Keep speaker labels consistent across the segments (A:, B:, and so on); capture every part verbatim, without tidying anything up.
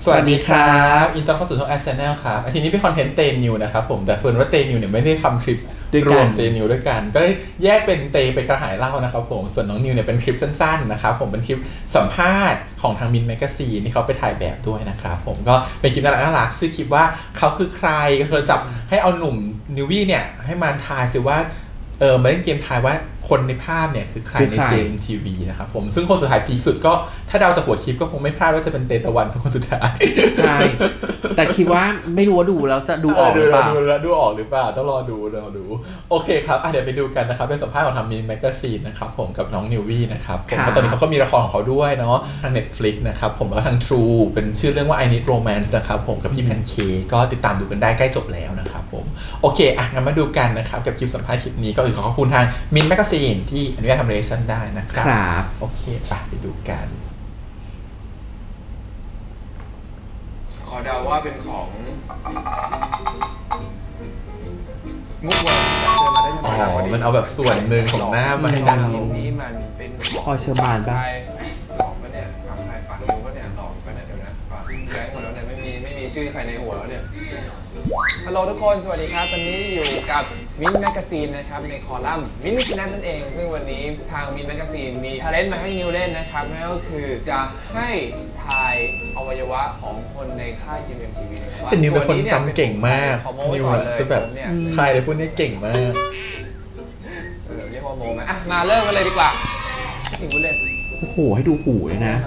A: สวัสดีครับอินเตอร์เข้าสู่ช่องแอชแนลครับทีนี้เป็นคอนเทนต์เตนิวนะครับผมแต่เพิ่นว่าเตนิวเนี่ยไม่ได้ทำคลิปรวมเตนิวด้วยกันก็ได้แยกเป็นเตไปกระหายเล่านะครับผมส่วนน้องนิวเนี่ยเป็นคลิปสั้นๆนะครับผมเป็นคลิปสัมภาษณ์ของทางมินแมกกาซีนที่เขาไปถ่ายแบบด้วยนะครับผมก็เป็นคลิปน่ารักน่ารักชื่อคลิปว่าเขาคือใครก็คือจับให้เอาหนุ่มนิววี่เนี่ยให้มาทายสิว่าเออมาเล่นเกมทายว่าคนในภาพเนี่ยคือใครในเจมทีวีนะครับผมซึ่งคนสุดท้ายพีสุดก็ถ้าเดาจากหัวคลิปก็คงไม่พลาดว่าจะเป็นเตตะวันเป็นคนสุดท้าย
B: ใช่แต่คิดว่าไม่รู้ว่าดูแล้วจะดูออกหรือเปล่า
A: ดูแล้วดูออกหรือเปล่าต้องรอดูรอดูโอเคครับเดี๋ยวไปดูกันนะครับเป็นสัมภาษณ์ของทางมินแมกกาซีนนะครับผมกับน้องนิววี่นะครับผมตอนนี้เขาก็มีละครของเขาด้วยเนาะทาง Netflix นะครับผมแล้วก็ทาง True เป็นชื่อเรื่องว่า I Need Romance นะครับผมกับพี่แพนเค้กก็ติดตามดูกันได้ใกล้จบแล้วนะครับผมโอเคอ่ะงั้นมาดูกันนะครับกับคลิปสัมภาษณ์คลิปนี้ก็ขอขอบคุณทางมินแมกกาซีนที่อนุญาตทำเรชั่นได้นะครับ
B: ครับ
A: โอเคไปไปดูกัน
C: ขอเดาว่าเป็นของมุกวอลเชิญมาได้
A: อ๋
C: ทำไม
A: อมันเอาแบบส่วนหนึ่งของหน้ามาให้เดา
C: นี้มันเป็นของ
B: พอเชอร์มานป่ะ
C: หลอกปะเนี่ยปากใครปากรู้ปะเนี่ยหลอกปะเนี่ยเดี๋ยวนะปากแบงค์หมดแล้วเนี่ยไม่มีไม่มีชื่อใครในหัวแล้วเนี่ยฮัลโหลทุกคนสวัสดีครับตอนนี้อยู่กับมินแมกกาซีนนะครับในคอลัมน์มินชแนลนั่นเองซึ่งวันนี้ทางมินแมกกาซีนมีชาเลนจ์มาให้นิวเล่นนะครับนั่นก็คือจะให้ทายอวัยวะของคนในค่าย จี เอ็ม ที วี นะครับว่า
A: แต่นิวเป็นคนจำเก่งมากนิวจะแบบใครเลยพูดนี่เก่งมาก
C: เออเรียกว่าโมไหมอ่ะมาเริ่มกันเลยดีกว่าถึงพูดเล่น
B: โอ้โหให้ดูหูเลยนะ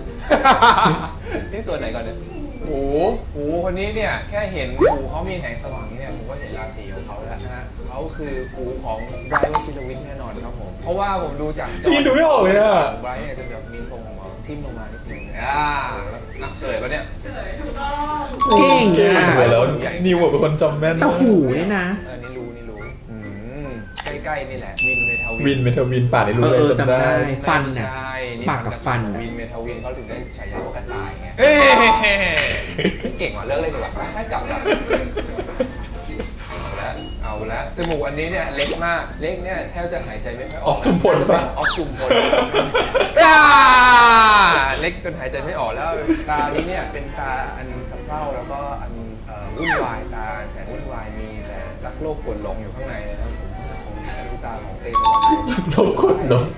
C: ที่ส่วนไหนก่อนเนี่ยหูหูคนนี้เนี่ยแค่เห็นหูเขามีแสงสว่างนี้เนี่ยผมก็เห็นราศีของเขาแล้วนะฮะเขาคือหูของไบรท์วชิรวิทย์แน่นอนครับผมเพราะว่าผมดูจากจอ
A: ดูไม่ออกเลยอ่ะ
C: ไบรท์เนี่ยจะแบบมีทรงของทิ่มลงมานิดนึงอ่าแล้วเฉลยปะเนี่ย
B: เก่ง
A: อ่ะแล้วนิวเป็นคนจำแม่น
B: แต่หูนี่นะ
C: เออนี่รู้นี่รู้อืมใกล้ๆนี่แหละวินเมทาวิน
A: วินเมทาวินป่าในรู้เลย
B: จำได้ฟันน่ะปากกับฟัน
C: วินเมทาวินเขาถึงได้ฉายาว่ากระต่ายไงเฮ้ยเก่งกว่าเลิกเลยดีกว่าถ้าจับจับเอาละเอาละจมูกอันนี้เนี่ยเล็กมากเล็กเนี่ยแทบจะหายใจไม่ค่อยออก
A: ออฟจุมพลป่ะ
C: ออฟจุมพลเล็กจนหายใจไม่ออกแล้วตานี้เนี่ยเป็นตาอันสะเพร่าแล้วก็อันวุ่นวายตาแสนวุ่นวายมีแต่รักโลกกดหลงอยู่ข้างในนะครับผมของลูกตาของเตยตะวัน
A: โลกกดหลง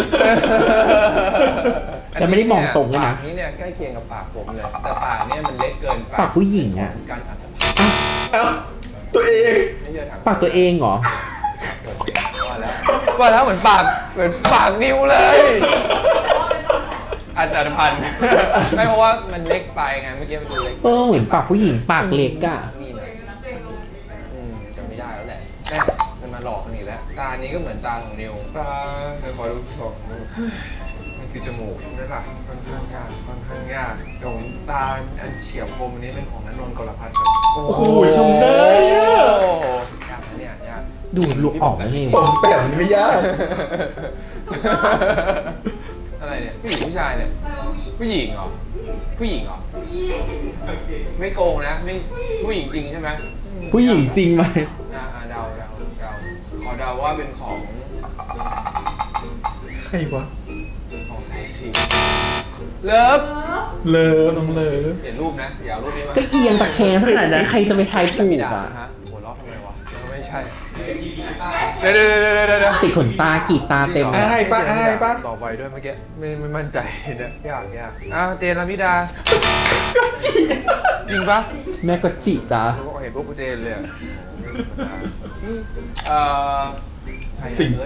B: แต่ไม่ได้มองตรงนะ
C: ปากนี้เนี่ยใกล้เคียงกับปากผมเลยแต่ปากเนี่ยมันเล็กเกิน
B: ปากผู้หญิงอ่ะ
C: การอัตภาพ
A: เอ้าตัวเอง
B: ปากตัวเองเหรอ
C: ว่าแล้วว่าแล้วเหมือนปากเหมือนปากนิ้วเลยอัตพันธ์ไม่เพราะว่ามันเล็กไปไงเมื่อกี้มันดูเล็ก
B: เออเหมือนปากผู้หญิงปากเล็กอ่ะ
C: นี่นะอืมจำไม่ได้แล้วแหละแม่มันมาหลอกกันอีกแล้วตานี้ก็เหมือนตาของนิวตาเดี๋ยวขอดูของมันคือจมูกใช่ปะค่อนข้างยากค่อนข้างยากเดี๋ยวตาอันเฉียบคมอันนี้เป็นของนันนนท์กรพัฒน์ครับ
A: โอ้โหชมได้
C: อะยากนะเนี่ยยาก
B: ดูลุกออกแล้วนี่
A: ผมแปะมันไม่ยาก
C: อะไรเนี่ยผู้หญิงผู้ชายเนี่ยผู้หญิงเหรอผู้หญิงเหรอไม่โกงนะไม่ผู้หญิงจริงใช่ไหม
B: ผู้หญิงจริงไหม
C: อ่าเดาเดาเดาขอเดาว่าเป็นของ
A: ใครวะ
C: ของไซซีเลิฟ
A: เลิฟน้องเลิฟ
C: เห็นรูปนะอย่าเอารูปนี้มา
B: ก็เอียงตะแคงขนาดนั้นใครจะไปทายถูกอ่ะ
C: ฮะหัวเราะทำไมวะไม่ใช่เดี๋ยวเดี๋ยวเดี๋ยวเดี๋ยว
B: ติดขนตากีดตาเต็ม
A: ไอ้ป้าไอ้ป้า
C: ต่อไปด้วยเมื่อกี้ไม่ไม่มั่นใจเนี่ยยากยากอ่ะเจนลามิดาจริงปะ
B: แม่ก็จีจ้า
C: เขาเห็นพวกกูเจนเลยเอ่อ
A: สิงโต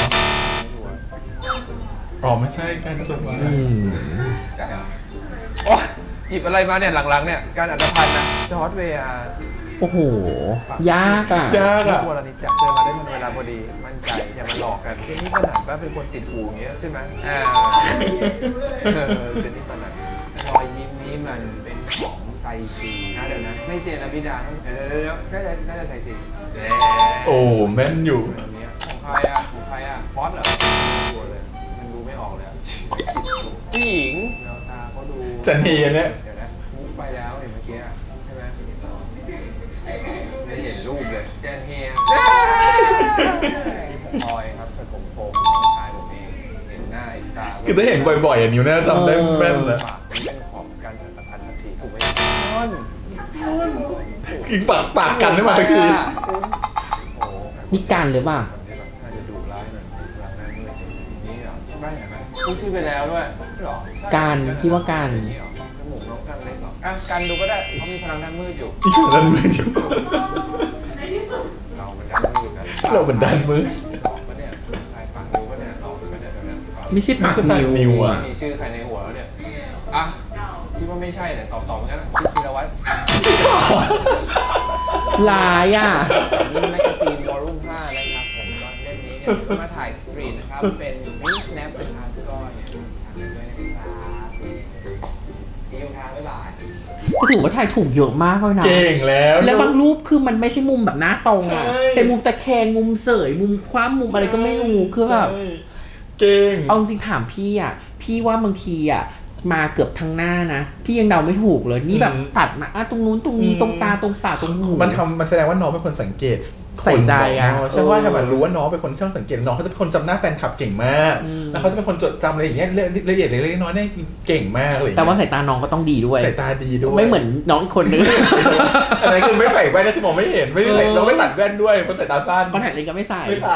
A: อ๋อไม่ใช่การจดหมาย
C: ใช่เหรอโอ้หยิบอะไรมาเนี่ยหลังๆเนี่ยการอัตภัณฑ์นะจอร์ดเวีย
B: โอ้โหยากอ่ะ
A: ยากอ่ะ
C: ตัวเรานี่จับเจอมาได้ทันเวลาพอดีมั่นใจอย่ามาหลอกกันเจนนี่ปนัดว่าเป็นคนติดหูอย่างเงี้ยใช่ไหมอ่าเจนนี่ปนัดรอยยิ้มนี้มันเป็นของไซซีนะเดี๋ยวนะไม่เจนนะพี่ดาเดี๋ยวเดี๋ยวน่าจะน่าจะไซซี
A: โอ้แม่นอยู่
C: ของใครอ่ะของใครอ่ะฟอสเหรอตัวเลยมันดูไม่ออกเลยผู้หญิงแววตาเขาดู
A: จันทีเนี่ย
C: เดี๋ยวนะมุกไปแล้วเห็นเมื่อกี้ใช่ไหมไม่เห็นรูปเลยเจนเฮียผมพลอยครับเป็นผมผมน้องชายผมเองเห็นหน้าตา
A: คือถ้าเห็นบ่อยๆอย่างนิ้วน่าจำได้แม่นเลย
C: ปากนี้เป็นของการสัมพันธ์ทันทีถูกไหมน
A: กินปากปากกันได้มาสักที
C: โอ้โห
B: นี่การหรือเปล่า
C: คนที่แบบน่าจะดุร้ายหน่อยหลังนั้นด้วยนี่เหรอใช่ไหมเห็นไหมพูดชื่อไปแล้วด้วยหรอใช่
B: การพี่ว่าการ
C: อย่างนี้เหรอจมูกน้องกันเล็กเหรออ่ะกันดูก็ได้เขามีพลังด้านมืดอยู่
A: นี่คือด้านมืดอยู่
C: เรามันด้านมืดนะ
A: เราเหมือนด้านมืด
C: หลอกปะเนี่ยใครฟังดูปะเนี่ยหลอกปะเนี่ยเดี๋ยวนะ
B: ไม่ใช่ปาก
A: ไม่ใช่ปากนิ
B: นิ
A: ว
B: ว
A: อะ
C: มีชื่อใครในหัวแล้วเนี่ยอ่ะคิดว่าไม่ใช่เนี่ยตอบตอบงั้นชื่อธีรวัตร
B: ลายอ่ะ
C: นี่แมกกาซีนวอลลุ่มห้านะครับผมก็เล่มนี้เนี่ยก็มาถ่ายสตรีทนะครับเป็นมินิสแนปนะครับก็เนี่ยทำด้วยนะครับซีอิ๊วครับบ๊ายบาย
B: ก็ถือว่าถ่ายถูกเยอะมากเลยนะ
A: เก่งแล้ว
B: แล้วบางรูปคือมันไม่ใช่มุมแบบหน้าตรงอ่ะ
A: ใช่
B: เป็นมุมตะแคงมุมเสยมุมคว่ำมุมอะไรก็ไม่รู้คือแบบ
A: ใช่เก่ง
B: เอาจริงๆถามพี่อ่ะ พี่ว่าบางทีอ่ะมาเกือบทั้งหน้านะ พี่ยังเดาไม่ถูกเลย นี่แบบ
A: อืม
B: ตัดมาอ่ะตรงนู้นตรงนี้
A: อืม
B: ตรงตาตรงปากตรงหู
A: มันทำมันแสดงว่าน้องเป็นคนสังเกต
B: ใส่ใจอะ
A: คนใช่ว่า
B: เออ
A: ถ้ามันรู้ว่าน้องเป็นคนช่างสังเกตน้องเขาจะเป็นคนจำหน้าแฟนคลับเก่งมาก
B: อืม
A: แล้วเขาจะเป็นคนจดจำอะไรอย่างเงี้ยละเอียดเล็กๆน้อยๆเนี่ยเก่งมากเลย
B: แต่ว่าสายตาน้องก็ต้องดีด้วย
A: สายตาดีด้วย
B: ไม่เหมือนน้องอีกคนนึง
A: อันนั้นคือไม่ใส่แว่นก็คือมองไม่เห็นไม่ได้ใส่
B: เออ
A: น้องไม่ตัดแว่นด้วยเพราะสายตาสั้น
B: คอนแทคเลนส์ก็ไม่ใส่
A: ไม่ใส่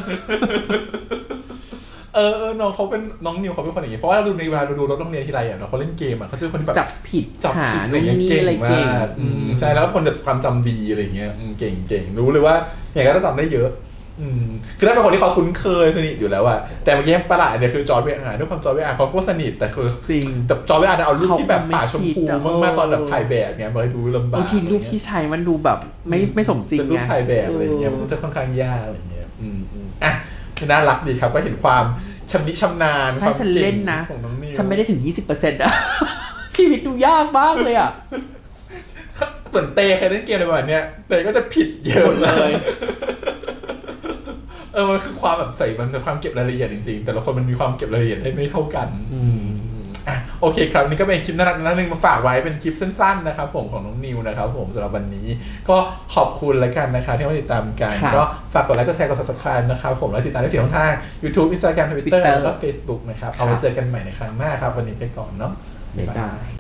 A: เออเออน้องเขาเป็นน้องนิวเขาเป็นคนอย่างนี้เพราะว่าเราดูในเวลาเราดูรถโรงเรียนทีไรอ่ะเนาะเขาเล่นเกมอ่ะเขาจะเป็นคนที่แบบ
B: จับผิด
A: จับ
B: หา
A: ผิดอะไร
B: นู่น
A: เงี้ย
B: นี่
A: เก่ง
B: อะไร
A: มา
B: เก่ง
A: กอืมใช่แล้วก็คนแบบความจำดีอะไรเงี้ยอืมเก่งเก่งรู้เลยว่าอย่างก็จะจำได้เยอะ อืมคือถ้าเป็นคนที่เขาคุ้นเคยสนิทอยู่แล้วอะแต่เมื่อกี้ประหลาดเนี่ยคือจอร์จเวอาร์ด้วยความจอร์จเวอาร์เขาโคตรสนิทแต่คือ
B: จริง
A: แต่จอร์จเวอาร์เนี่ยเอารูปที่แบบป่าชมพู
B: เขาคงไม่คิดอะ
A: มากๆตอนแบบถ่ายแบบเนี้ยมาให้ดูลำบาก
B: บางทีรูปที่ใช้มันดูแบบไม่ไม่สมจริง
A: เป็นรูป
B: ไง
A: ถ่ายแบบอะไรเงี้ย
B: เออ
A: มันก็จะค่อนข้างยากอะไรเงี้ยอืมอืมอ่ะน่ารักดีครับก็เห็นความชำนิชำนาญค
B: ถ้าว
A: าม
B: ฉัน
A: เก่
B: เล่
A: ง
B: นนะ
A: ของน้องนิว
B: ฉันไม่ได้ถึง ยี่สิบเปอร์เซ็นต์ อะ ชีวิตดูยากมากเลยอะ
A: เหมือนเตเคยเล่นเกมอะไรแบบเนี้ยเตก็จะผิดเยอะ
B: เลย
A: เออมันคือความแบบใส่มันเป็นความเก็บรายละเอียดจริงๆแต่ละคนมันมีความเก็บรายละเอียดได้ไม่เท่ากัน
B: อืม
A: อ่ะโอเคครับนี่ก็เป็นคลิปน่ารักน่ารักนึงมาฝากไว้เป็นคลิปสั้นๆนะครับผมของน้องนิวนะครับผมสำหรับวันนี้ก็ขอบคุณแล้วกันนะคะที่มาติดตามกัน
B: ครับ
A: ก็ฝากกดไลค์กดแชร์กด ซับสไครบ์ นะครับผมแล้วติดตามได้สี่ช่องทาง YouTube Instagram Twitter
B: Twitter
A: แล้วก็ Facebook นะครับเอาไว้เจอกันใหม่ในครั้งหน้าครับวันนี้ไปก่อนเนาะ
B: บ๊ายบาย